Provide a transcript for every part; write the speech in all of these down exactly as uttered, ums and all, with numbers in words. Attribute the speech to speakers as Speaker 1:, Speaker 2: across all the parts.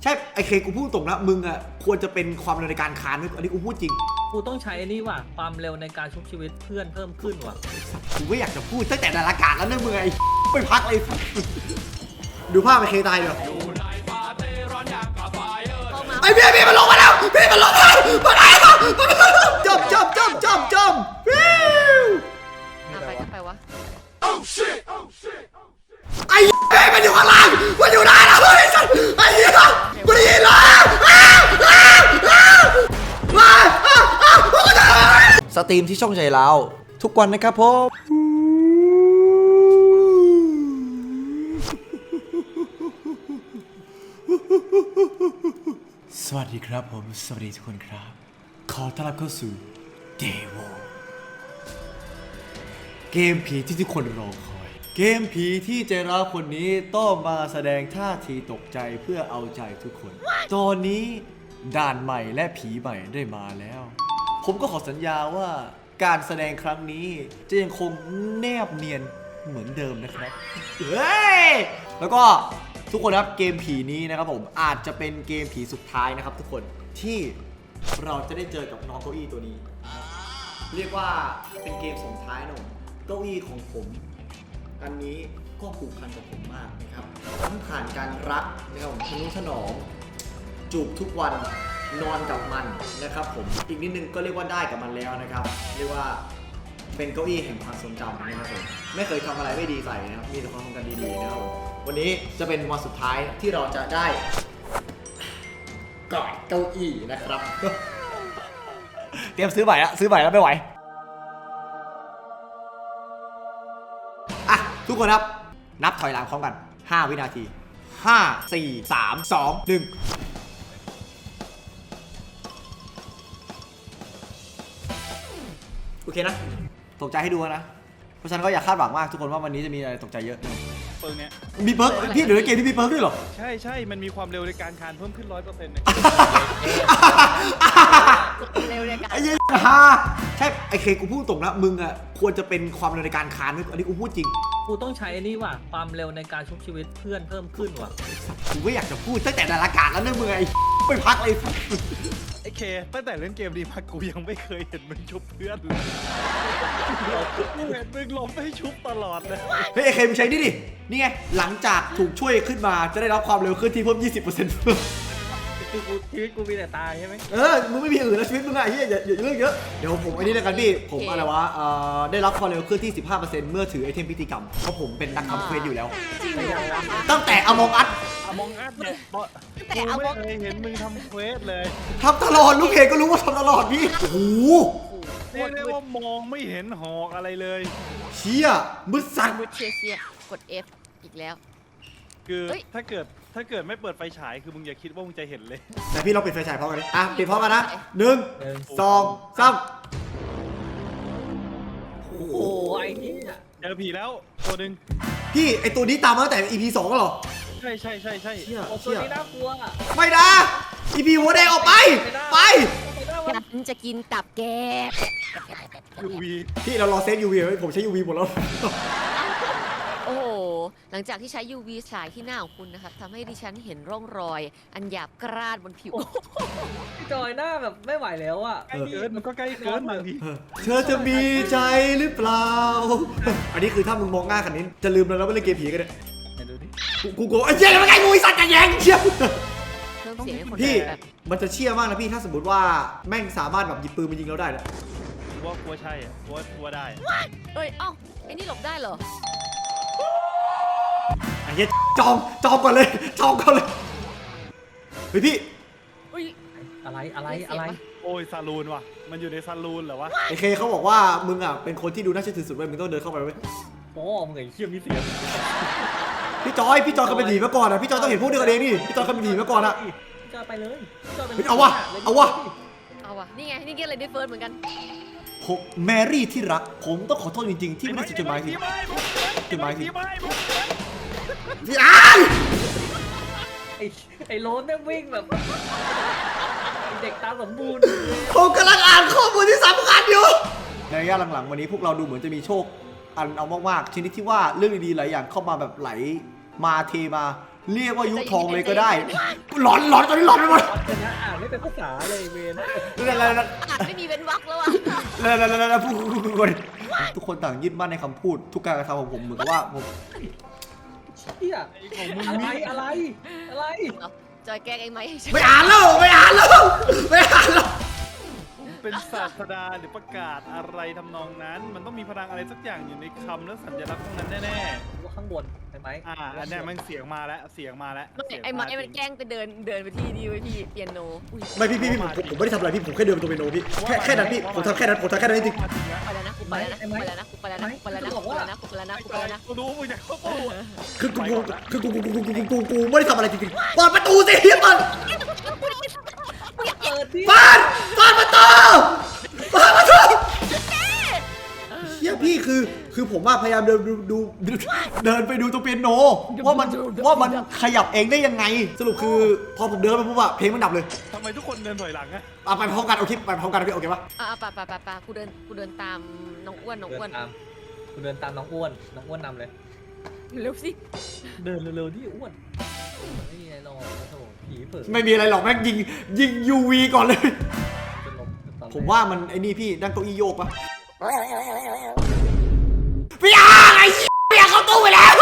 Speaker 1: ใช่ไอเคกูพูดตรงนะมึงอ่ะควรจะเป็นความเร็วในการคานอันนี้กูพูดจริง
Speaker 2: กูต้องใช้นี่ว่ะความเร็วในการชุบชีวิตเพื่อนเพิ่มขึ้นว่ะ
Speaker 1: กูไม่อยากจะพูดตั้งแต่นาฬิกาแล้วนะมึงไอ้ไม่พักเลยดูภาพไอเคตายเดี๋ยวไอ้พี่พี่มันลงมาแล้วพี่มันลงมามาไหนมาจบจบจบจบจบวิว
Speaker 3: ไปก็ไปวะ
Speaker 1: ไอ้พี่มันอยู่ข้างล่างมันอยู่ได้แล้วไอ้สัสไอ้เหี้ยกูได้ยินแล้วสตรีมที่ช่องใจเราทุกวันนะครับผมสวัสดีครับผมสวัสดีทุกคนครับขอต้อนรับเข้าสู่ Devo เกมผีที่ทุกคนรอคอยเกมผีที่ใจร้าวคนนี้ต้องมาแสดงท่าทีตกใจเพื่อเอาใจทุกคน ตอนนี้ด่านใหม่และผีใหม่ได้มาแล้วผมก็ขอสัญญาว่าการแสดงครั้งนี้จะยังคงแนบเนียนเหมือนเดิมนะครับเฮ้ยแล้วก็ทุกคนครับเกมผีนี้นะครับผมอาจจะเป็นเกมผีสุดท้ายนะครับทุกคนที่เราจะได้เจอกับน้องเก้าอี้ตัวนี้เรียกว่าเป็นเกมส่งท้ายนะผมเก้าอี้ของผมอันนี้ก็ผูกพันกับผมมากนะครับทั้งผ่านการรักนะครับผมทนุถนอมจูบทุกวันนอนกับมันนะครับผมอีกนิดนึงก็เรียกว่าได้กับมันแล้วนะครับเรียกว่าเป็นเก้าอี้แห่งความทรงจำนะครับผมไม่เคยทำอะไรไม่ดีใส่นะครับมีแต่ความทรงจำดีๆนะครับผมวันนี้จะเป็นวันสุดท้ายที่เราจะได้กอดเก้าอี้นะครับ เตรียมซื้อใหม่ละซื้อใหม่แล้วไม่ไหวอ่ะทุกคนครับนับถอยหลังพร้อมกันห้าวินาทีห้า สี่ สาม สอง หนึ่งโอเคนะตกใจให้ดูนะเพราะฉะนั้นก็อย่าคาดหวังมากทุกคนว่าวันนี้จะมีอะไรตกใจเยอะ
Speaker 4: เปิร์กเนี้ย
Speaker 1: มีเพิร์กพี่เดี๋ยวในเกมที่มีเพิร์กด้วยเหรอ
Speaker 4: ใช่ใช่มันมีความเร็วในการคานเพิ่มขึ้นร้อยเปอร์เซ็นต์เนี่ย
Speaker 3: เร็วในการ
Speaker 1: ไอ้เหี้ยฮาใช่ไอ้เคกูพูดตรงนะมึงอ่ะควรจะเป็นความเร็วในการคานอันนี้กูพูดจริง
Speaker 2: กูต้องใช้นี่ว่ะความเร็วในการชุบชีวิตเพื่อนเพิ่มขึ้นว่ะ
Speaker 1: กูไม่อยากจะพูดตั้งแต่นาฬิกาแล้วนะมึงไอ้ไม่พักเลย
Speaker 4: ไอ้เคตั้งแต่เล่นเกมดีมากูยังไม่เคยเห็นมึงชุบเพื่อนเลยกูเห็นมึงล้มให้ชุบตลอดเลย
Speaker 1: เฮ้ยไอ้เคมึงใช้นี่ดินี่ไงหลังจากถูกช่วยขึ้นมาจะได้รับความเร็วขึ้นที่เพิ่ม ยี่สิบเปอร์เซ็นต์
Speaker 2: คือกูชีวิตกูมีแต่ตายใช่ไหม
Speaker 1: เออมึงไม่มีอื่นแล้วชีวิตมึงอะเฮียอย่าอย่าเรื่องเยอะเดี๋ยวผมไอ้นี่แล้วกันพี่ผมอะไรวะเอ่อได้รับความเร็วขึ้นที่ สิบห้าเปอร์เซ็นต์ เมื่อถือไอเทมพิธีกรรมเพราะผมเป็นนักทำเควสอยู่แล้วตั้งแต่อมองอัด
Speaker 4: อมองอัดเนี่ยกูไม่เคยเห็นมึงทำเควสเลย
Speaker 1: ทำตลอดลูกเพจก็รู้ว่าทำตลอดพี่โอ้โห
Speaker 4: เรียกได้ว่ามองไม่เห็นหอกอะไรเลย
Speaker 1: เชี่ยมืดสั่น
Speaker 3: มืดเชียเชียกด F อีกแล้ว
Speaker 4: คือถ้าเกิดถ้าเกิดไม่เปิดไฟฉายคือมึงอย่าคิดว่ามึงจะเห็นเลย
Speaker 1: แต่พี่เราปิดไฟฉายพร้อมกันดิอ่ะปิดพร้อมกันนะหนึ่งสองสาม
Speaker 2: โอ้โหไอ้นี่
Speaker 4: เจอผีแล้วตัวหนึ่ง
Speaker 1: พี่ไอตัวนี้ตามมาตั้งแต่ อี พี สองก็หรอ
Speaker 4: ใช่ใช่ใช่ใช่
Speaker 2: ตัวนี้น่ากลัว
Speaker 1: ไม่นะ อี พี หัวแดงออกไปไป
Speaker 3: ฉันจะกินตับแก
Speaker 4: ยูวี
Speaker 1: พี่เรารอเซฟ ยู วี ไว้ผมใช้ ยู วี หมดแล้ว
Speaker 3: โอ้โหหลังจากที่ใช้ ยู วี ฉายที่หน้าของคุณนะครับทำให้ดิฉันเห็นร่องรอยอันหยาบกร้านบนผิว
Speaker 2: จอยหน้าแบบไม่ไหวแล้วอ่ะ
Speaker 4: ใกล้เกินมันก็ใกล้เกินบางที
Speaker 1: เธอจะมีใจหรือเปล่าอันนี้คือถ้ามึงมองหน้าคันนี้จะลืมแล้วแล้วไม่เล่นเกมผีกันเลยกูกูไอ้เจ๊มันไงงูไอ้สัตว์จะแย่งเชี่ยพี่มันจะเชี่ยมากนะพี่ถ้าสมมติว่าแม่งสามารถแบบหยิบปืนมายิงเราได้นะ
Speaker 4: ว่ากลัวใช่อ่ะกลัวกลัวได้
Speaker 3: เอ้ยเอ้าไอ้นี่หลบได้เหรอ
Speaker 1: ไอ้เหี้ยจองจองก่อนเลยจองก่อนเลยเฮ้ยพี่
Speaker 2: อะไรอะไรอะไร
Speaker 4: โอ้ยซาลูนว่ะมันอยู่ในซาลูนเหรอวะ
Speaker 1: ไอเคเขาบอกว่ามึงอ่ะเป็นคนที่ดูน่าเชื่อถือสุดเว้ยมึงต้องเดินเข้าไปเว้ย
Speaker 2: โอ้มึงไอ้เชี่ยมีเสียง
Speaker 1: พี่จอยพี่จอยเคยเป็นผีมาก่อนอ่ะพี่จอยต้องเห็นพวกเดียวกันเองนี่พี่จอยเคยเป็นผีมาก่อนอ่ะ
Speaker 2: พี่จอยไปเลย
Speaker 1: เอาวะเอาวะ
Speaker 3: เอาวะนี่ไงนี่เกมอะไรได้เฟิร์สเหมือนกัน
Speaker 1: ผมแมรี่ที่รักผมต้องขอโทษจริงๆที่ไม่ได้จดหมายถึงจดหมายถึงพี่อ้าย
Speaker 2: ไอ้ไอ้โรสเนี่ยวิ่งแบบเด็กตาสมบูรณ์
Speaker 1: ผมกำลังอ่านข้อมูลที่สำคัญอยู่ในระยะหลังๆวันนี้พวกเราดูเหมือนจะมีโชคอันเอามากๆชนิดที่ว่าเรื่องดีๆหลายอย่างเข้ามาแบบไหลมาเทมาเรียกว่ายุคทองเลยก็ได้หลอนหลอนตอนนี้หลอนไปหมด
Speaker 2: วัดกันนะอ่านไม่เป็นภาษาเลยเวน
Speaker 1: แล้วแล้วแล้ว
Speaker 3: อ่านไม่มีเว้นวรรคแล้วอ่ะ
Speaker 1: แล้วแล้วแล้วพูดทุกคนต่างยึดมั่นในคำพูดทุกการกระทำของผมเหมือนกับว่าผม
Speaker 2: เฮียอะไรอะไรอะไร
Speaker 3: เอาจอยแกล้งเองไหม
Speaker 1: ไม่อ่านแล้วไม่อ่านแล้วไม่อ่านแล้ว
Speaker 4: เป็นศาสดาหรือประกาศอะไรทำนองนั้น มันต้องมีพลังอะไรสักอย่างอยู่ในคำและสัญลักษณ์พวกนั้นแน่
Speaker 2: ว่าข้างบนใช่ไหม
Speaker 4: ๆ อ่าอันเนี้ยมันเสียงมาแล้ว เสียงมาแล้ว
Speaker 3: ไม่
Speaker 4: เสียง
Speaker 3: ไอ้ไม้
Speaker 4: า
Speaker 3: มันแกล้งไปเดินเดินไปที่นี่ไว้พี่เปียโนอุ้ย
Speaker 1: ไม่พี่พี่พี่ผมผมไม่ได้ทำอะไรพี่ผมแค่เดินไปตัวเปียโนพี่แค่แค่นั้นพี่ผมทำแค่นั้นผมทำแค่นั้นจริง
Speaker 3: ไปแล้วนะกูไปแล้วนะกูไปแล้วนะกูไปแล้วนะกูไปแล้วนะกูไปแล้วนะกูไปแล้วนะกูไปแล้วนะ
Speaker 4: กูรู้มึงจะเข้าตู้
Speaker 1: คือกูกูคือกูกูกูกูกูกูไม่ได้ทำอะไรจริงๆเปิดประตูสิเปิด
Speaker 2: เปิดดิ
Speaker 1: เปิดเปิดประตูเปิดประตูเฮียพี่คือคือผมว่าพยายามเดินดูดูเดินไปดูตัวเปียโนว่ามันว่ามันขยับเองได้ยังไง สรุปคือพอผมเดินไปปุ๊บอะเพลงมันดับเลย
Speaker 4: ทำไมทุกคนเดินถอยหลังอะ
Speaker 1: เอาไปพร้อมกันเอาคลิปไปพร้อมกันนะพี่โอเคปะ
Speaker 3: อ่ะไปไปไปไปกูเดินกูเดินตามน้องอ้วนน้อง
Speaker 2: เดิ
Speaker 3: อ้วน
Speaker 2: นตามคุณเดินตามน้องอ้วนน้องอ้วนนำเลย
Speaker 3: เร็วสิ
Speaker 2: เดินเร็วๆที่อ้วนไม่มีอะไรหรอกโถผีเปิด
Speaker 1: ไม่มีอะไรหรอกแม่งยิงยิงยูวีก่อนเลย
Speaker 2: จะลงตอนแรก
Speaker 1: ผมว่ามันไอ้นี่พี่นั่งเก้าอี้โยกปะพี่อาร์ไอ้พี่อาร์เข้าตู้ไปแล้ว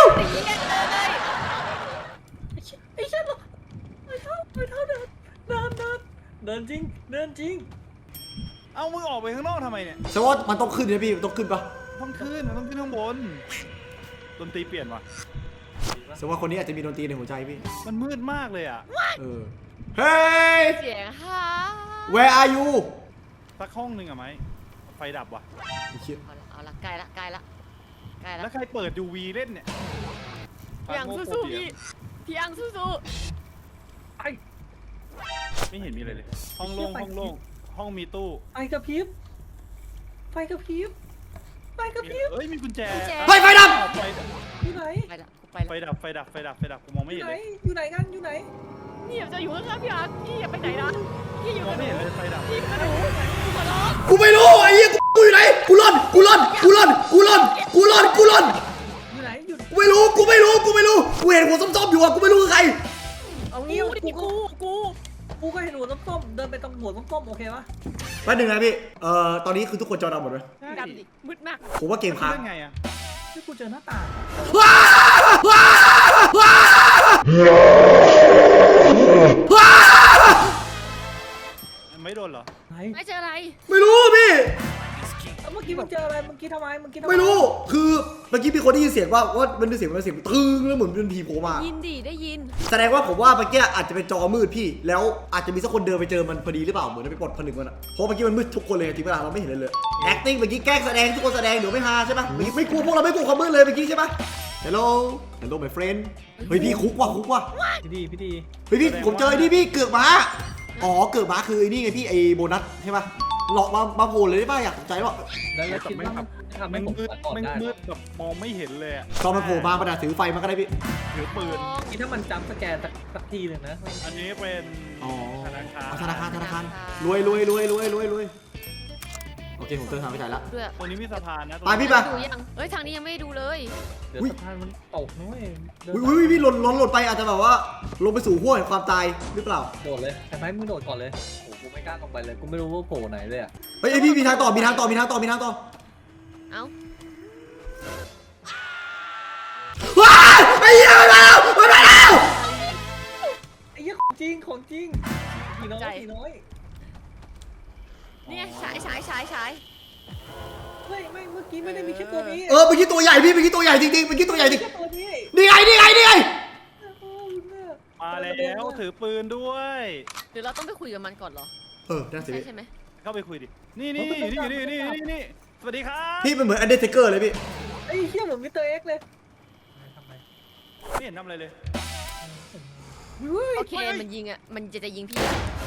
Speaker 2: ไอ้เช่นไอ้เท่าไอ้เท่าเดินเดินเดินเดินจริงเดินจริง
Speaker 4: เอามึงออกไปข้างนอกทำไมเนี่ย
Speaker 1: แสดงว่ามันต้องขึ้นนะพี่มันต้องขึ้นปะ
Speaker 4: ต้องขึ้นมันต้องขึ้นข้างบนดนตรีเปลี่ยนว่ะ
Speaker 1: แสดงว่าคนนี้อาจจะมีดนตรีในหัวใจพี่
Speaker 4: มันมืดมากเลยอ่ะ
Speaker 1: เออเฮ้ย
Speaker 3: เสียงฮ่า
Speaker 1: where are you
Speaker 4: สักห้องหนึ่งอะไหมไฟดับว่ะ
Speaker 1: ไอ้เหี้ย
Speaker 3: เอาละเอาละใกล้ละใกล้ละใกล้ละ
Speaker 4: แล้วใครเปิดยูวีเล่นเนี่ย
Speaker 3: พี่อังสู้ๆพี่พี่อังสู้
Speaker 2: ไอ้
Speaker 4: ไม่เห็นมีอะไรเลย ห้องโล่งห้องโล่งห้องมีตู้
Speaker 2: ไฟกระพริบไฟกระพริบไฟกระพริบ
Speaker 4: เอ้ยมีกุญแจ
Speaker 1: เฮ้ยไฟดับ
Speaker 4: ไฟ
Speaker 2: อยู่ไหน
Speaker 3: ๆไปละกูไป
Speaker 4: ไฟ
Speaker 3: ละ
Speaker 4: ดับไฟดับไฟดับไฟดับกูมองไม่
Speaker 2: อ
Speaker 4: เห็น
Speaker 2: ยู่ไหน
Speaker 4: เลย
Speaker 2: อยู่ไหนกันอยู่ไหน
Speaker 3: นี่อย่าจะอยู่ข้างๆพี่อังพี่อย่าไปไหนนะพี่อยู่
Speaker 4: มอ
Speaker 3: กั
Speaker 4: ง
Speaker 3: บห
Speaker 4: ไม่
Speaker 3: นู
Speaker 4: เห็นเลยไฟดับ
Speaker 3: พี่กับหนูกูขอร้อง
Speaker 1: กูไม่รู้ไอ้เหี้ยกูอยู่ไหนกูร่อนกูร่อนกูร่อนกูร่อนกูร่อนกูร่อน
Speaker 2: อยู่ไหนอยู่
Speaker 1: กูไม่รู้กูไม่รู้กูไม่รู้กูเห็นหัวส้มๆอยู่อะกูไม่รู้คือใคร
Speaker 2: เอา
Speaker 3: กู
Speaker 2: งี้
Speaker 3: ดิ
Speaker 2: กู
Speaker 3: กูกู
Speaker 2: กูก็เห็นหัวส้มๆเดินไปตรงหัวส้มๆโอเคปะ
Speaker 1: แป๊บนึงนะพี่เอ่อตอนนี้คือทุกคนจอดำหมดเลย
Speaker 3: ดำดิมืดมาก
Speaker 1: ผมว่าเกมค้าง
Speaker 4: เล่นไงอะ
Speaker 2: ที่กูเจอหน้าต่าง
Speaker 1: ว้าว้าว้าว้า
Speaker 4: ไม่โดนเหรอ
Speaker 2: ไหน
Speaker 3: ไม่เจออะไร
Speaker 1: ไม่รู้พี่
Speaker 2: เมื่อกี้มึงเจออะไรเมื่อกี้ทำไมเมื่อกี้ทำไม
Speaker 1: ไม่รู้คือเมื่อกี้มีคนได้ยินเสียงว่าว่ามันเป็นเสียงมันเสียงตึงแล้วเหมือนเป็นผีโผล่มา
Speaker 3: ยินดิได้ยิน
Speaker 1: แสดงว่าผมว่าเมื่อกี้อาจจะเป็นจอมืดพี่ แล้วอาจจะมีสักคนเดินไปเจอมันพอดีหรือเปล่าเหมือนไปปลดผนึกมันอะเพราะเมื่อกี้มันมืดทุกคนเลยจริงเวลาเราไม่เห็นเลยเลย acting เมื่อกี้แกล้งแสดงทุกคนแสดงเดี๋ยวไม่ฮาใช่ปะไม่ไม่กลัวพวกเราไม่กลัวความมืดเลยเมื่อกี้ใช่ปะ hello hello my friend เฮ้ยพี่คุกว่ะคุกว่ะ
Speaker 2: พี่ดีพี่ดี
Speaker 1: เฮ้ยพี่ผมเจอไอ้นี่พี่เกือกม้าอ๋อเกือกม้าคือไอ้นี่ไงพี่ไอ้โบนัสใช่ปะหลอกมามาโผล่เลยได้ป่ะอยากสนใจว่า
Speaker 2: แล้วเราคิดว่ามันทำให้
Speaker 4: แม่ง
Speaker 2: ผม
Speaker 4: มืด
Speaker 2: ก่อน
Speaker 4: แม่ง
Speaker 2: ได้
Speaker 4: มืดแบบมองไม่เห็นเลยอะ
Speaker 1: ตอนมันโผล่มาประดาถือไฟมาก็ได้พี่
Speaker 4: ถือปืน
Speaker 2: คิดถ้ามันจำสแกนสักสักทีหนึ่งนะ
Speaker 4: อันนี้เป็น
Speaker 1: อ๋อ
Speaker 4: ธนาคาร
Speaker 1: ธนาคารธนาคารรวยรวยรวยรวยรวยรวยโอเคผมเติมทางไปจ่ายละ
Speaker 3: ด้วย
Speaker 4: ตรงนี้มีสะพานนะตรง
Speaker 1: ไป
Speaker 4: นี้
Speaker 1: พี่ไป
Speaker 3: ดูยังเอ้ยทางนี้ยังไม่ได้ดูเลย
Speaker 2: เดี๋ยวสะพานมันตกนะเว้ยเดิน
Speaker 1: อุ้ยอุ้ยพี่หล่นหล่นหล่นไปอาจจะแบบว่าลงไปสู่ห้วงแห่งความตายหรือเปล่า
Speaker 2: โดดเลยแต่ไหมมึงโดดก่อนเลยโอ้กูไม่กล้าลงไปเลยกูไม่รู้ว่าโผล่ไหนเลยอ่ะ
Speaker 1: เฮ้ยเอ้ยพี่มีทางต่อมีทางต่อมีทางต่อมีทางต่อ
Speaker 3: เอ้า
Speaker 1: ว้ายไอ้เหี้ยมาแล้วมาแล้ว
Speaker 2: ไอ้เหี้ยของจริงของจริงผีน้อยผีน้อย
Speaker 3: นี่ไงฉายฉายฉายฉาย
Speaker 2: ไม่ไม่เมื่อกี้ไม่ได้มีแค่ตัวนี้
Speaker 1: เออเมื่อกี้ตัวใหญ่พี่เมื่อกี้ตัวใหญ่จริงๆเมื่อกี้ตัวใหญ่จริง
Speaker 2: แค่ตัวนี้
Speaker 1: นี่ไงนี่ไงนี่ไง
Speaker 2: โอ้ยแม่
Speaker 4: มาแล้วถือปืนด้วย
Speaker 3: หรือเราต้องไปคุยกับมันก่อนเหรอ
Speaker 1: เออน่าเสีย
Speaker 3: ใช่ใช่ไหม
Speaker 4: เข้าไปคุยดิ นี่นี่นี่นี่นี่นี่นี่สวัสดีครับ
Speaker 1: พี่เป็นเหมือนอันเดอร์เทเกอร์เลยพี่
Speaker 2: ไอ้เหี้ยเหมือนมิสเตอร์เอ็กซ์เลยทำไม
Speaker 4: ไม่เห็นทำอะไรเลย
Speaker 3: โอเคมันยิงอ่ะมันจะจะยิงพี่อะ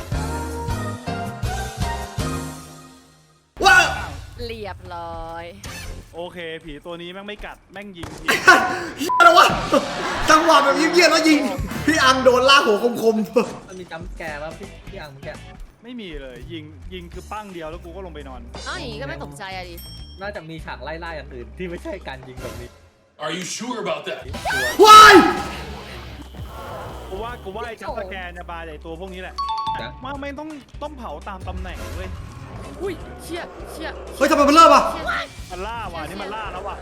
Speaker 1: ว้าว
Speaker 3: เรียบร้อย
Speaker 4: โอเค ผีตัวนี้แม่งไม่กัดแม่งยิงผี
Speaker 1: เฮียอะไรวะจังหวะแบบเยี่ยมๆแล้วยิงพี่อังโดนลากหัวคม
Speaker 2: มันมีจัมป์สแกร์แล้วพี่พี่อังเมื่อกี้
Speaker 4: ไม่มีเลยยิงยิงคือปั้งเดียวแล้วกูก็ลงไปนอน
Speaker 3: เอ้าอย่างงี้ก็ไม่ตกใจอะดิ
Speaker 2: น่าจะมีฉากไล่ๆอย่างอื่นที่ไม่ใช่การยิงแบบนี้
Speaker 5: Are you sure about that?
Speaker 1: ๆว้าย
Speaker 4: กูว่ากูว่าไอ้จัมป์สแกนจะบาไอ้ตัวพวกนี้แหละว่าไม่ต้องต้องเผาตามตำแหน่งเว้ย
Speaker 3: อุ้ยเชี่ยเชี่ย
Speaker 1: เฮ้ยทำไมมันเริ่มอ่ะ
Speaker 3: เชี่ย
Speaker 4: มันล่าว่ะนี่มันล่าแล้วว่ะ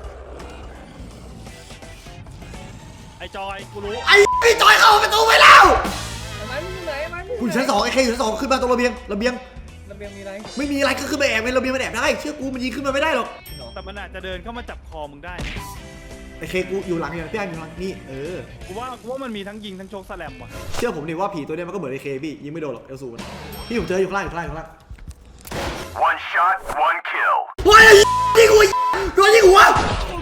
Speaker 4: ไอ้จอยกูรู้
Speaker 1: ไอ้พี่จอยเข้าประตูไปแล้ว
Speaker 2: ทำไมมึงอยู่ไหนมัน
Speaker 1: คุณชั้นสองไอ้เคอยู่ชั้นสองขึ้นมาตรงระเบียงระเบียง
Speaker 2: ระเบียงมีอะไร
Speaker 1: ไม่มีอะไรก็ขึ้นไปแอบในระเบียงมันแอบได้เชื่อกูมันยิงขึ้นมาไม่ได้หรอก
Speaker 4: แต่มันอาจจะเดินเข้ามาจับคอมึงได้
Speaker 1: ไอ้เคกูอยู่หลังอย่างพี่ไอ้อยู่หลังนี่เออ
Speaker 4: กูว่ากูว่ามันมีทั้งยิงทั้งโชกสแลมว่ะ
Speaker 1: เชื่อผมดิว่าผีตัวเนี้ยมันก็เหมือนไอ้เคพี่ยิงไม่โดนหรอกเอลซูมันพี่ผมเจออยู่ข้างล่างอยู่ข้างล่างอยู่ข้างล่าง
Speaker 5: One shot, one kill.
Speaker 1: ว้ายยิงหัวโดนยิงหัว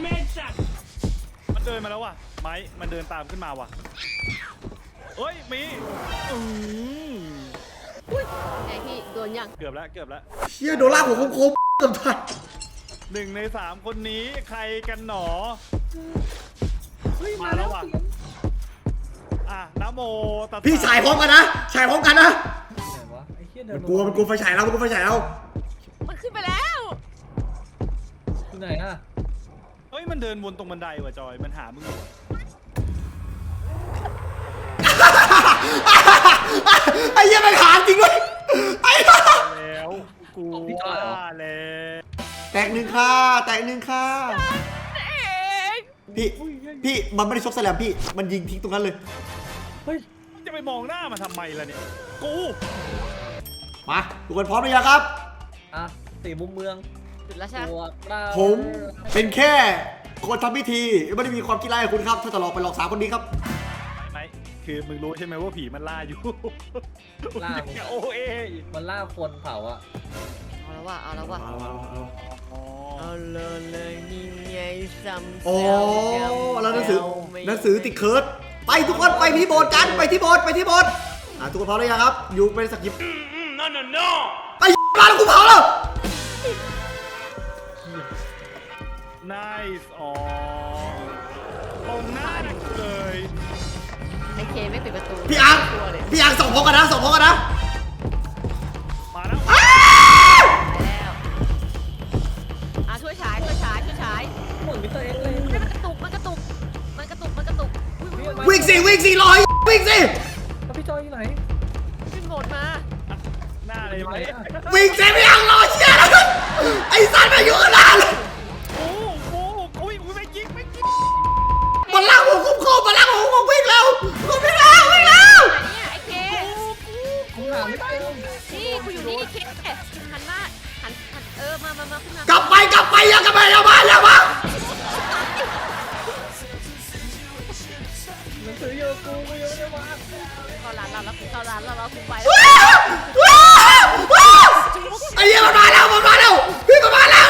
Speaker 4: มันเดินมาแล้วว่ะไม้มันเดินตามขึ้นมาว่ะเอ้ยมีอืม
Speaker 3: อุ้ยไงพี่โดนยัง
Speaker 4: เกือบแล้วเกือบแล้ว
Speaker 1: เชี่ยโดนลากหัวโค้งๆเกือบทัน
Speaker 4: หนึ่งในสามคนนี้ใครกันหนอ
Speaker 2: เฮ้ย
Speaker 4: มา
Speaker 2: มา
Speaker 4: แล้
Speaker 2: แล้ว ว
Speaker 4: ว่ะ อ่ะนะโมตัสสะ
Speaker 1: พี่ฉายพร้อมกันนะฉายพร้อมกันนะ
Speaker 2: ไหนวะไอ้เหี้ยเดิ
Speaker 1: มัน นกลัวมันกลัวไฟฉายแล้วมันกลัวไฟฉายแล้ว
Speaker 3: มันขึ้นไปแล้ว
Speaker 2: อยู่ไหนอ่ะ
Speaker 4: เฮ้ยมันเดินวนตรงบันไดว่ะจอยมันหามึงอยู่
Speaker 1: ไอ้เหี้ยมันขาดจริงเว้ยไอ้
Speaker 4: แล้วกูว่าแล้ว
Speaker 1: แตกหนึ่งค่ะแตกหนึ่งค่ะ
Speaker 3: เอง
Speaker 1: พี่พี่มันไม่ได้ชกแสลมพี่มันยิงทิ้งตรงนั้นเลย
Speaker 2: เฮ้ย
Speaker 4: จะไปมองหน้ามันทำไมล่ะเนี่ยกู
Speaker 1: มาทุกคนพร้อมหรือยังครับ
Speaker 2: อ่ะสี่มุมเมือง
Speaker 3: จุดแล้วใช่ไหม
Speaker 2: ตัวเรา
Speaker 1: ผมเป็นแค่คนทำพิธีไม่ได้มีความคิดร้ายกับคุณครับถ้าจะหลอกไปหลอกสาวคนนี้ครับ
Speaker 4: ไม่คือมึงรู้ใช่ไหมว่าผีมันล่าอยู่
Speaker 2: ล่า
Speaker 4: อย่โอเอ
Speaker 2: มันล่าคนเผาอ่ะ
Speaker 3: เอาแล้วว่ะเอาแล้วว่ะ
Speaker 1: เอาเอาเอา
Speaker 4: อ๋อ
Speaker 3: เอาเลยเลยนี่ไงซ้ำ
Speaker 1: โอ้แล้วหนังสือหนังสือติดเคิร์ดไปทุกคนไปที่โบสถ์กันไปที่โบสถ์ไปที่โบสถ์อ่ะทุกคนพร้อมหรือยังครับอยู่เป็นสักยิบ
Speaker 4: no no no
Speaker 1: ไปมาแล้วกูเผาแล้ว
Speaker 4: nice อ๋อตรงหน้าเลย
Speaker 3: ไอเคไม่ปิดประตู
Speaker 1: พี่อัง
Speaker 3: ตัวเลย
Speaker 1: พี่อังส่งพร้อมกันนะส่งพร้อมกันนะ
Speaker 4: มาแล้ว
Speaker 3: ไปแล้วอ่ะช่วยฉายช่วยฉายช่วยฉาย
Speaker 2: เหมือนมิสเตอร์เอ็กซ์เลย
Speaker 3: เฮ้ยมันกระตุกมันกระตุกมันกระตุกมันกระตุกอุ๊ยอุ๊ยอุ๊ย
Speaker 1: วิ่งสิวิ่งสิลอยวิ่งสิ
Speaker 2: แล้วพี่จอยอยู่ไหน
Speaker 3: ขึ้นโหมดมา
Speaker 4: หน้าเลยไหม
Speaker 1: วิ่งสิพี่อังรอเชี่ยแล้วไอ้สัตว์มาอยู่ข้างหน้าเลย
Speaker 4: โอ้โหโอ้ยไม่ยิงไม่ยิง
Speaker 1: มันลากผมคุ้มครองมันลากผมผมวิ่งแล้วผมวิ่งแล้ววิ่งแล้ว
Speaker 3: ไหนเนี่ยไอเค
Speaker 2: ผมหาไม่เจอ
Speaker 3: นี่กูอยู่นี่ไอเคหันหน้าหันหันเออมามามาขึ้นมาก
Speaker 1: ลับไปกลับไปอย่ากลับไปอย่ามาอย่ามา
Speaker 2: หนังสือเยอะกูกูยังไม่ได้มา
Speaker 3: เข้าร้านเราแล้วกูเข้าร้านเราเรากูไป
Speaker 1: ว้าวว้าวว้าวไอ้เหี้ยมันมาแล้วมันมาแล้วพี่มันมาแล้ว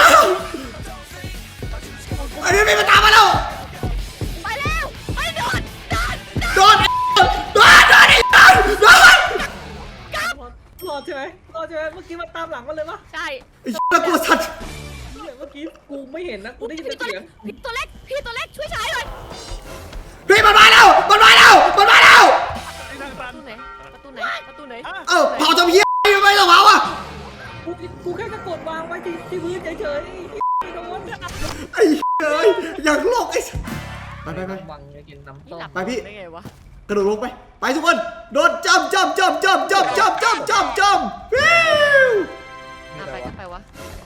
Speaker 1: ไอ้พี่พี่มันตามมาแล้ว
Speaker 3: ไปแล้วไปโดนโดน
Speaker 1: โดนโดนโดนไอ้โดนโดน
Speaker 2: รอดใช่ไหมรอดใช่ไหมเมื่อกี้มันตามหลังมันเลยปะ
Speaker 3: ใช่
Speaker 1: ไอ้น่ากลัวสัตว์
Speaker 2: เมื่อกี้กูไม่เห็นนะกูได้ยิน
Speaker 3: พี่
Speaker 2: แต่
Speaker 3: ตัว
Speaker 2: เสี
Speaker 3: เล็
Speaker 2: ย
Speaker 3: ก
Speaker 2: ง
Speaker 3: พี่ตัวเล็กพี่ตัวเล็กช่วยฉายหน่อย
Speaker 1: พี่มันมาแล้วมันมาแล้วมันมาแล้ว
Speaker 4: ไอ้นางตั
Speaker 3: ประ
Speaker 4: น
Speaker 3: ตูไหนประตูไหนประตูไหน
Speaker 1: เอ้าเผาทำเหี้ยไม่ต้องเผาอ่ะ
Speaker 2: กูกูแค่จะกดวางไว้ที่ที่พื้นเฉยๆไม่โดน
Speaker 1: ไอ้เฮ้ยอยากโลกไอ้ไปไปไป
Speaker 2: วังจะกินน้ำ
Speaker 3: นี่
Speaker 2: ต้ม
Speaker 3: หลับ
Speaker 1: ไปพี่
Speaker 3: ได้ไงวะ
Speaker 1: กระโดดลงไปไปทุกคนโดดจำจำจำจำจำจำจำจำจำวิว
Speaker 3: อ่ะไปก็ไปวะ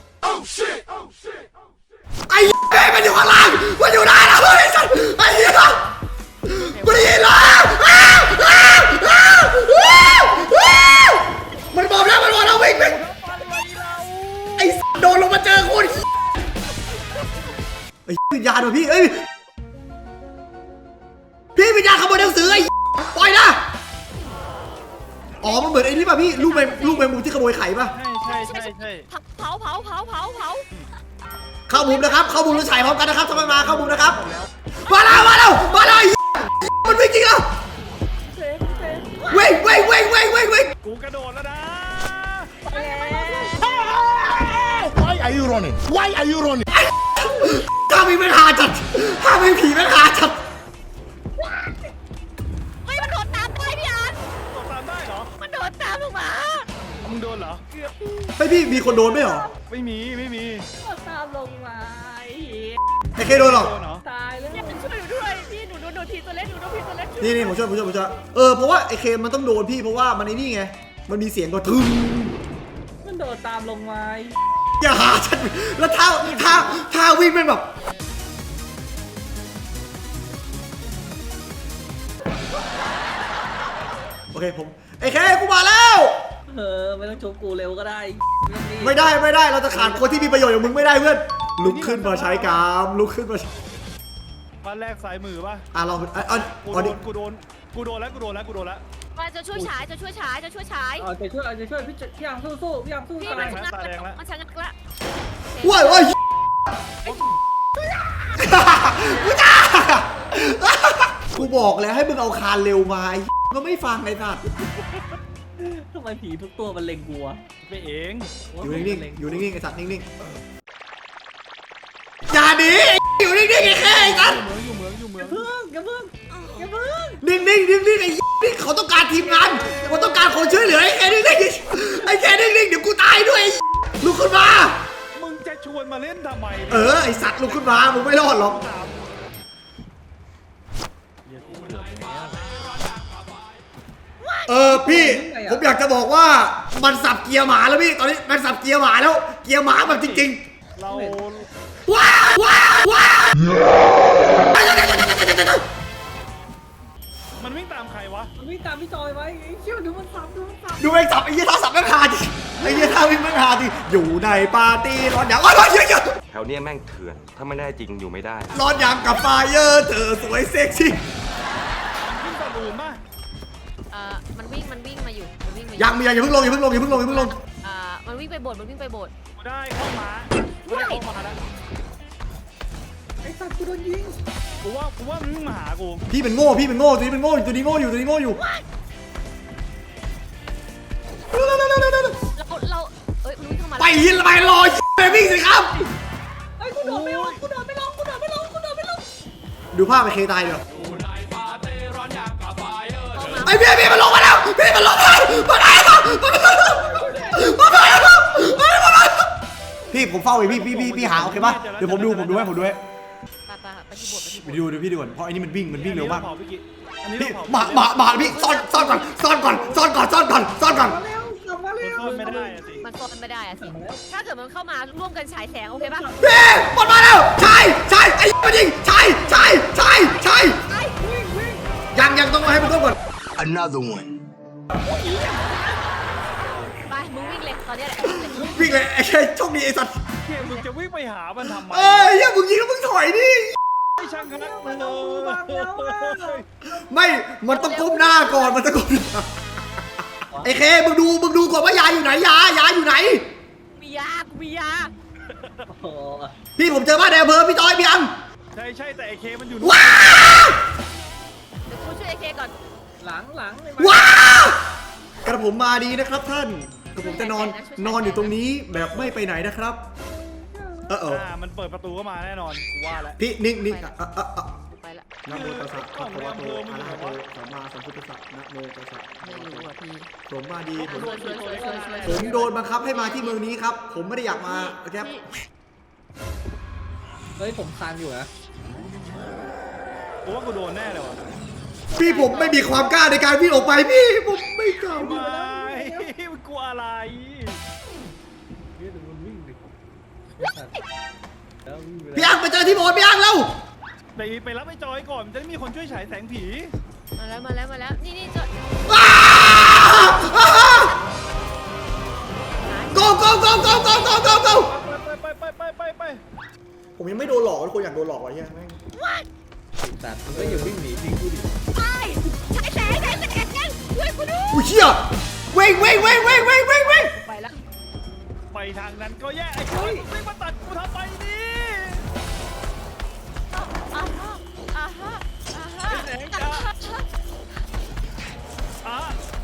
Speaker 1: ไอ้เฮ้ยมันอยู่ข้างล่างมันอยู่ได้แล้วไอ้สัสไอ้เหี้ยกูได้ยินแล้วอ้าวอ้าวอ้าวอ้าวอ้าวมันบอกแล้วมันบอกแล้ววิ่งวิ่งไอ้สัสโดนลงมาเจอคนไอ้วิญญาณว่ะพี่เอ้ยพี่วิญญาณขโมยหนังสือไอ้ปล่อยนะอ๋อมันเหมือนไอ้นี่ป่ะพี่ลูกแมงลูกแมงมุมที่ขโมยไข่ป่ะ
Speaker 4: ใช่ใช่ใช่ใช่
Speaker 3: เผาเผาเผาเผาเผา
Speaker 1: เข้ามุมนะครับเข้ามุมแล้วฉายพร้อมกันนะครับทำไมมาเข้ามุมนะครับมาแล้วมาแล้วมาแล้วไอ้มันวิ่งจริงแล้ว
Speaker 2: เซฟเซฟ
Speaker 1: วิ่งวิ่งวิ่งวิ่งวิ่งวิ่ง
Speaker 4: กูกระโดดแล้วนะ
Speaker 5: Why are you running? Why are you running?
Speaker 1: ถ้ามีปัญหาจัดถ้ามีผีปัญหาจัด
Speaker 3: เฮ้ยมันโดดตามไปพี่อาร์ต
Speaker 4: ตกตามได้เหรอ
Speaker 3: มันโดดตามลงมา
Speaker 4: มึงโดนเหรอ
Speaker 1: ไอ้พี่มีคนโดนไหมเหรอ
Speaker 4: ไม่มีไม่มี
Speaker 2: ตามลงมาไอ้เหี้ย
Speaker 1: ไอ้เคโดนหรอ
Speaker 4: โดนเหรอ
Speaker 2: ตายแล้ว
Speaker 3: อย่าช่วยหนูด้วยพี่หนูโดนโดนทีตัวเล็กอยู่โดนทีตัวเล็ก
Speaker 1: นี่นี่ผมช่วยผมช่วยผมช่วยเออเพราะว่าไอเคมันต้องโดนพี่เพราะว่ามันไอ้นี่ไงมันมีเสียงก็ทึม
Speaker 2: มันโดดตามลงมา
Speaker 1: อย่าหาฉันแล้วท่าท่าท่าวิ่งเป็นแบบโอเคผมไอเคกูมาแล้ว
Speaker 2: เออไม่ต้องชมกูเร็วก็ได้
Speaker 1: ไม่ได้ไม่ได้เราจะขาดคนที่มีประโยชน์อย่างมึงไม่ได้เพื่อนลุกขึ้นมาใช้กรามลุกขึ้นมาใช้
Speaker 4: บ้านแรกซ้ายมือป่ะ
Speaker 1: อ่ะลองอ่ะอ่ะ
Speaker 4: กู
Speaker 1: อ่ะ
Speaker 4: โด
Speaker 1: ดิ
Speaker 4: นกูโดนกูโดนแล้วกูโดนแล้วกูโดนแล้ว
Speaker 3: มาจะช่วยฉายจะช่วยฉายจะช่วยฉาย
Speaker 2: เอาใจช่วยเอาใจช่วยพี่พี่ยังสู้สู้พี่ยังสู้
Speaker 3: พี่
Speaker 2: ตา
Speaker 3: มัน
Speaker 2: ย
Speaker 3: ชะงักแล้วมันชะงักแล้ว
Speaker 1: ว้ายว้ายกูจ้ากูบอกแล้วให้มึงเอาคานเร็วมาไอ้ก็ไม่ฟังไอ้สัตว์
Speaker 2: ทำไมผีทุกตัวมันเล็งกูวะ
Speaker 4: ไปเอง
Speaker 1: อยู่นิ่งๆอยู่นิ่งๆไอ้สัตว์นิ่งๆอย่าหนีอยู่นิ่งๆไอ้แค่ไอ้สัตว์
Speaker 4: อยู่เมืองอยู่เมืองอยู่เมือง
Speaker 2: เพิ่งอย่าเพิ่งอย่าเพิ่ง
Speaker 1: นิ่งๆนิ่งๆไอ้นี่เขาต้องการทีมงานเขาต้องการคนช่วยเหลือไอ้แค่นิ่งๆไอ้แค่นิ่งๆเดี๋ยวกูตายด้วยลุกขึ้นมา
Speaker 4: มึงจะชวนมาเล่นทำไม
Speaker 1: เออไอ้สัตว์ลุกขึ้นมามึงไม่รอดหรอก
Speaker 4: ตาม
Speaker 1: เออพี่ผมอยากจะบอกว่ามันสับเกียร์หมาแล้วพี่ตอนนี้มันสับเกียร์หมาแล้วเกียร์หมาแบบจริง
Speaker 4: เรา
Speaker 1: ๆว้าวว้าวว้าว
Speaker 4: มันวิ่งตามใครวะ
Speaker 2: มันวิ่งตามพี่จอยไว้ไอ้เชี่ยดูมันซ้ำดูมันซ้
Speaker 1: ดูไอ้สับไอ้เหี้ยท่าสับแม่งหาดิไอ้เหี้ยท่าวิ่งแม่งหาดิอยู่ในปาร์ตี้ร้อนอย่างร้อนร้อนเยอะ
Speaker 6: แถวเนี้ยแม่งเถื่อน ถ้าไม่ได้จริงอยู่ไม่ได้
Speaker 1: ๆร้อนอย่างกับไฟเยอร์เธอสวยเซ็กซี่
Speaker 4: วิ่งตะลูนป่ะ
Speaker 3: เอ่อมันวิ่งมันวิ่งมาอยู่มันวิ่งมา
Speaker 1: ยังมีอย่าเพิ่งลงอย่าเพิ่งลงอย่าเพิ่งลงอย่าเพิ่งลง
Speaker 3: อ่ามันวิ่งไปโบสถ์มันวิ่งไปโบสถ์
Speaker 4: กูได้เข้ามากูได้เข้ามาแล้ว
Speaker 2: ำไอ้สัตว์กูโดนยิง
Speaker 4: กูว่ากูว่ามันวิ่งมาหากู
Speaker 1: พี่เป็นโง่พี่เป็นโง่ตัวนี้เป็นโง่อยู่ตัวนี้โง่อยู่ตัวนี้โง่อยู่
Speaker 3: เราเราเอ้ยมันวิ่งเข้ามา
Speaker 1: ไปยินไปรอไปวิ่งสิครับ
Speaker 2: ไอ้กูโดดไม่ลงกูโดดไม่ลงกูโดดไม่ลงกูโดดไม่ลง
Speaker 1: ดูภาพไปเคตายเดี๋ยวไอ้พี่พี่มันลงมาแล้วพี่มันลงมามาไหนครับมาไหนครับพี่ผมเฝ้าไว้พี่พี่พี่พี่หาโอเคป่ะเดี๋ยวผมดูผมดูให้ผมดูให้
Speaker 3: ไปไปไปที่โบสถ์ไปที่โบ
Speaker 1: ไป
Speaker 3: สถ์
Speaker 1: ดูดูพี่ดูก่อนเพราะไอ้นี่มันวิ่งมันวิ่งเร็วมาก
Speaker 4: อันนี้
Speaker 1: พี่
Speaker 4: เราเผา
Speaker 1: มามามาพี่ซ่อนซ่อนก่อนซ่อนก่อนซ่อนก่อนซ่อนก่อนซ่อนก่อน
Speaker 2: มาเร็วกลับมาเร็ว
Speaker 4: ซ่อนไม่ได้อะสิ
Speaker 3: มันโฟนไม่ได้อะสิถ้าเกิดมันเข้ามาร่วมกันฉายแสงโอเคป่ะ
Speaker 1: พี่หมดมาแล้วใช่ใช่ไอ้มันยิงใช่ใช่ใช่ใช่ยังยังต้องให้มันต้องก่อน
Speaker 5: Another one.
Speaker 3: ไปมึงวิ่งเลยตอนนี้แหละ
Speaker 1: วิ่งเลยไอ้แค่โชคดีไอ้สัตว์
Speaker 4: เคมึงจะวิ่งไปหามันทำไม
Speaker 1: เอ้ยอย่ามึงยิงแล้วมึงถอยดิ
Speaker 4: ไม่ช่างคณะเลย
Speaker 1: ไม่มันต้องก้มหน้าก่อนมันต้องก้มหน้าไอ้เคมึงดูมึงดูก่อนว่ายาอยู่ไหนยายาอยู่ไหน
Speaker 3: มียากูมียา
Speaker 2: โอ้
Speaker 1: พี่ผมเจอบ้านในอำเภอพี่จอยพี่อัง
Speaker 4: ใช่ใช่แต่ไอเคมันอยู่
Speaker 1: ว้าว
Speaker 3: เดี๋ยวกูช่วยไอเคก่อน
Speaker 2: หลังหลัง
Speaker 1: ว้าวกระผมมาดีนะครับท่านกระผมจะนอนนอนอยู่ตรงนี้แบบไม่ไปไหนนะครับเออเออ
Speaker 4: อ่ามันเปิดประตูเข้ามาแน่นอนกูว่าแล้ว
Speaker 1: พี่นิ่งนิ่งอ่ะอ่ะอ่ะอ่ะ
Speaker 3: กูไปละ
Speaker 1: นะโมตัสสะภะคะวะโตอะระหะโตสัมมาสัมพุทธัสสะนะโมตัสสะ
Speaker 3: ไม่รู้อ่ะพี่
Speaker 1: ผมมาดีผม
Speaker 3: ช่วยช่วยช่วยช่วยช่วย
Speaker 1: ผมโดนบังคับให้มาที่เมืองนี้ครับ ผมไม่ได้อยากมาครับ
Speaker 2: เฮ้ยผมคานอยู่นะ
Speaker 4: กูว่ากูโดนแน่เลยว่ะ
Speaker 1: พี่ผมไม่มีความกล้าในการวิ่งออกไปพี่ผมไม่กล้า
Speaker 4: ไม่มันกลัวอะไร
Speaker 2: เฮ้ยดูมันวิ่งดิแล้ววิ่งไป
Speaker 1: พี่อังไปเจอที่โบสถ์พี่อังแล้ว
Speaker 4: ไปไปรับไอ้จอยก่อนมันจะได้มีคนช่วยฉายแสงผี
Speaker 3: มาแล้วมาแล้วมาแล้วนี่นี่จะ
Speaker 1: อ้าอ้า go go go go go go go go
Speaker 4: ไปไปไปไปไปไป
Speaker 1: ผมยังไม่โดนหลอกคนอยากโดนหลอกวะเฮียแม่ง
Speaker 2: แต่มันก็อย่าวิ่งหนีจริงกูดิ
Speaker 3: ไปฉายแสงฉายแสงช่วยกูด้วย
Speaker 1: อุ้ยเชี่ยเว้งเว้งเว้งเว้งเว้งเว้งเว้ง
Speaker 3: ไปละ
Speaker 4: ไปทางนั้นก็แย่ไอ้จอยมึงไม่มาตัดกูทำไมนี่
Speaker 3: อ่าฮะอ่าฮะอ่าฮะ
Speaker 4: แสงจ้าอ่ะ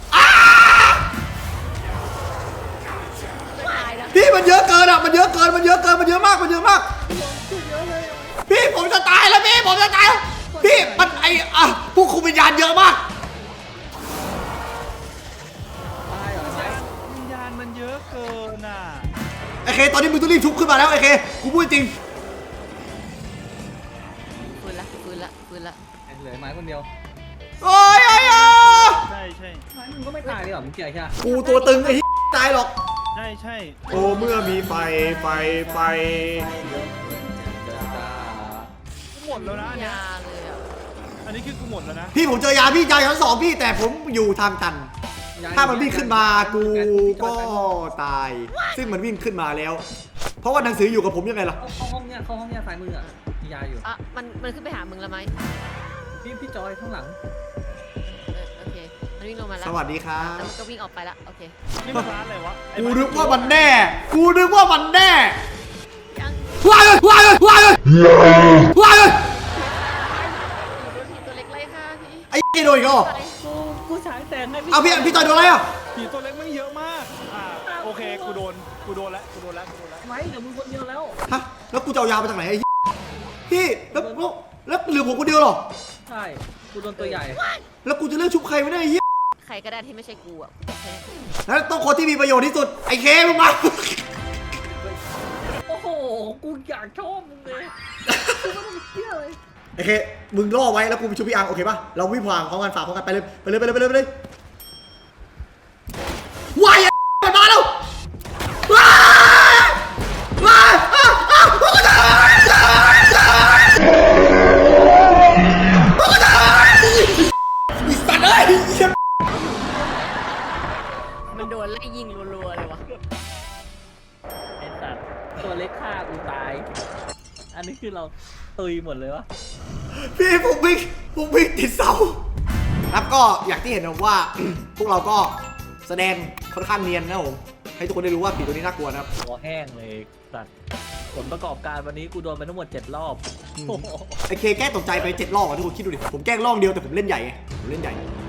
Speaker 3: ตายแล้ว
Speaker 1: พี่มันเยอะเกินอ่ะมันเยอะเกินมันเยอะเกินมันเยอะมากมันเยอะมากพี่ผมจะตายแล้วพี่ผมจะตายแล้วพี่มันไออ่ะผู้คุมวิญญาณเยอะมาก
Speaker 2: ตายเหรอไหม
Speaker 4: วิญญาณมันเยอะเกินอ่ะ
Speaker 1: ไอเคตอนนี้มึงต้องรีบชุบขึ้นมาแล้วไอเคกูพูดจริง
Speaker 3: ฟื้นละฟื้นละฟื้นละ
Speaker 2: เหลือไหมเดียว
Speaker 1: โอ้ยโอ้ยโอ้ย
Speaker 4: ใช่ใช่
Speaker 2: ไม่มึงก็ไม่ตายเลยเหรอมึงเกลียดใช่ไหม
Speaker 1: กูตัวตึงไอ้ตายหรอก
Speaker 4: ใช่ใช่
Speaker 1: โอ้เมื่อมีไฟไฟไฟ
Speaker 4: กูหมดแล้วนะอันเนี้ย
Speaker 3: ยาเลยอ่ะ
Speaker 4: อันนี้คือกูหมดแล้วนะ
Speaker 1: พี่ผมเจอยาพี่ใจชั้นสองพี่แต่ผมอยู่ทางตัน ถ้ามันวิ่งขึ้นมากูก็ตาย ซึ่งมันวิ่งขึ้นมาแล้ว เพราะว่าหนังสืออยู่กับผมยังไงล่ะ
Speaker 2: เข้าห้องเนี้ยเข้าห้องเนี้ยซ้ายมืออ่ะมียาอยู่
Speaker 3: อ่ะมันมันขึ้นไปหามึงแล้วไหม
Speaker 2: พี่พี่จอยข้างหลัง
Speaker 3: เออโอเคมันวิ่งลงมาแล้ว
Speaker 1: สวัสดีครั
Speaker 3: แล้ว
Speaker 1: บ
Speaker 3: มันก็วิ่งออกไปละโอเค
Speaker 4: นี่มันร้านอะไรวะไอ้
Speaker 1: กู
Speaker 4: บ้
Speaker 1: นึกว่ามันแน่ กูนึกว่ามันแน่
Speaker 3: ยัง
Speaker 1: ว้ายว้ายว้ายว้าย
Speaker 3: โดนผีตัวเล็กไล่ค่ะพี่
Speaker 1: ไอ้ไอ้โดนอีกแล้วเหรอ
Speaker 2: กูกูฉายแสงให้
Speaker 1: เอาพี่พี่จอยโดนอะไรอ่ะ
Speaker 4: ผีตัวเล็กมันเยอะมากอ่าโอเคกูโดนกูโดนแล้วกูโดนแล้วกูโดนแล้ว
Speaker 2: ไหมเดี๋ยวมึงคนเดียวแล้ว
Speaker 1: ฮะแล้วกูจะเอายามาจากไหนไอ้พี่แล้วแล้วแล้วเหลือผมคนเดียวเหรอ
Speaker 2: ใช่กูโดนตัวใหญ่
Speaker 1: แล้วกูจะเลือกชุบใครไม่ได้ไอ้เหี้ย
Speaker 3: ใครก็ได้ที่ไม่ใช่กูอ่ะแค่
Speaker 1: แล้วต้องคนที่มีประโยชน์ที่สุดไอ้เคมึงมา
Speaker 2: โอ้โหกูอยากชอบมึงเลยกูไม่ต้องเชื่อเลย
Speaker 1: ไอ้เคมึงล่อไว้แล้วกูไปชุบพี่อังโอเคป่ะเราวิ่งผ่านพร้อมกันฝ่าพร้อมกันไปเลยไปเลยไปเลยไปเลยไปเลยว้ายมันมาแล้วว้ายว้ายอ้าวอ้าวพวกกูตายตายตายพวกกูตายอีสัตว์เอ้ย
Speaker 3: มันโดนไล่ยิงรัวๆเลยวะ
Speaker 2: ไอ้สัตว์ตัวเล็กฆ่ากูตาย อันนี้คือเราตุยหมดเลยวะ
Speaker 1: พี่ผมวิ่งผมวิ่งติดเสาครับก็อย่างที่เห็นนะว่า พวกเราก็แสดงค่อนข้างเนียนนะผมให้ทุกคนได้รู้ว่าผีตัวนี้น่ากลัวนะครับ
Speaker 2: หัวแห้งเลยสัตว์ผลประกอบการวันนี้กูโดนไปทั้งหมดเจ็ดรอบ
Speaker 1: ไอเคแกล้งตกใจไปเจ็ดรอบอ่ะทุกคนคิดดูดิผมแกล้งรอบเดียวแต่ผมเล่นใหญ่ไงผมเล่นใหญ่